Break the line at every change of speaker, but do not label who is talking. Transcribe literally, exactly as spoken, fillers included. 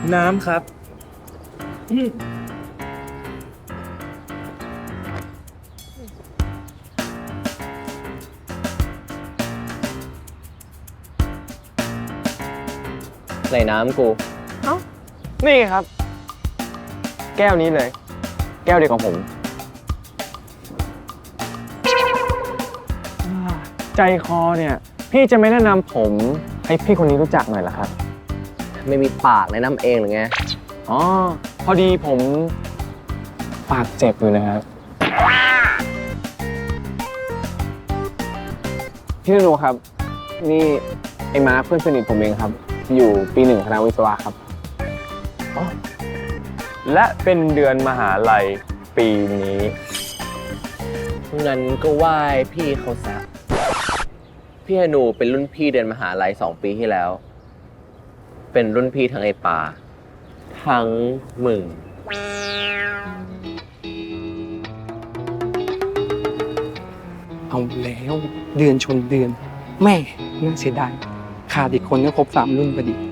น้ำครับ
ในน้ำกู
เอ้านี่ไงครับ แก้วนี้เลย แก้วเดียวกับผมใจคอเนี่ย พี่จะไม่แนะนำผมให้พี่คนนี้รู้จักหน่อยเหรอครับ
ไม่มีปากในน้ำเองหรือไง
อ๋อ พอดีผมปากเจ็บอยู่นะครับ พี่นโนครับ นี่ไอ้มาร์คเพื่อนสนิทผมเองครับ อยู่ปีหนึ่งคณะวิศวะครับ และเป็นเดือนมหาลัยปีนี้
งั้นก็ไหว้พี่เขาซะพี่ฮนูเป็นรุ่นพี่เดือนมหาลัยสองปีที่แล้ว เป็นรุ่นพี่ทั้งไอปาทั้งมึง
เอาแล้วเดือนชนเดือน แม่น่าเสียดายขาดอีกคนก็ครบสามรุ่นพอดี